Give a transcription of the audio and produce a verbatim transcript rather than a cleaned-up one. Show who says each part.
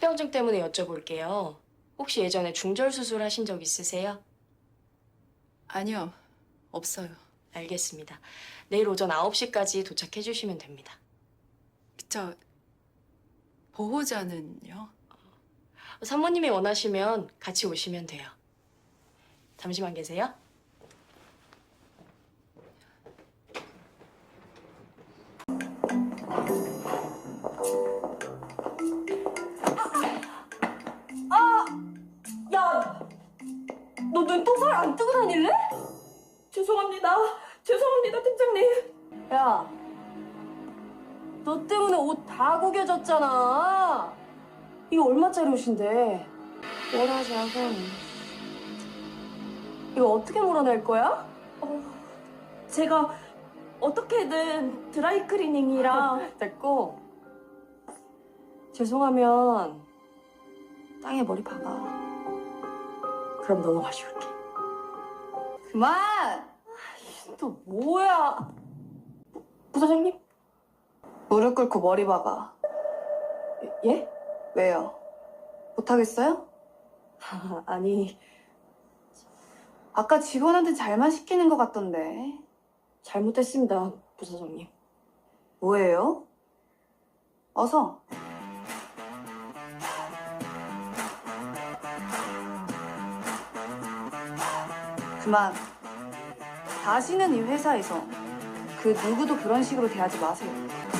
Speaker 1: 합병증 때문에 여쭤볼게요. 혹시 예전에 중절 수술 하신 적 있으세요?
Speaker 2: 아니요, 없어요.
Speaker 1: 알겠습니다. 내일 오전 아홉 시까지 도착해 주시면 됩니다.
Speaker 2: 저 보호자는요?
Speaker 1: 사모님이 원하시면 같이 오시면 돼요. 잠시만 계세요.
Speaker 3: 야, 너 눈동살 안 뜨고 다닐래? 죄송합니다. 죄송합니다, 팀장님. 야, 너 때문에 옷 다 구겨졌잖아. 이거 얼마짜리 옷인데? 원하자고. 이거 어떻게 몰아낼 거야? 어, 제가 어떻게든 드라이클리닝이랑 됐고. 죄송하면 땅에 머리 박아. 그럼 넘어가 줄게.
Speaker 4: 그만!
Speaker 3: 또 뭐야? 부사장님?
Speaker 4: 무릎 꿇고 머리 박아.
Speaker 3: 예?
Speaker 4: 왜요? 못하겠어요?
Speaker 3: 아니,
Speaker 4: 아까 직원한테 잘만 시키는 것 같던데.
Speaker 3: 잘못했습니다, 부사장님.
Speaker 4: 뭐예요? 어서. 그만. 다시는 이 회사에서 그 누구도 그런 식으로 대하지 마세요.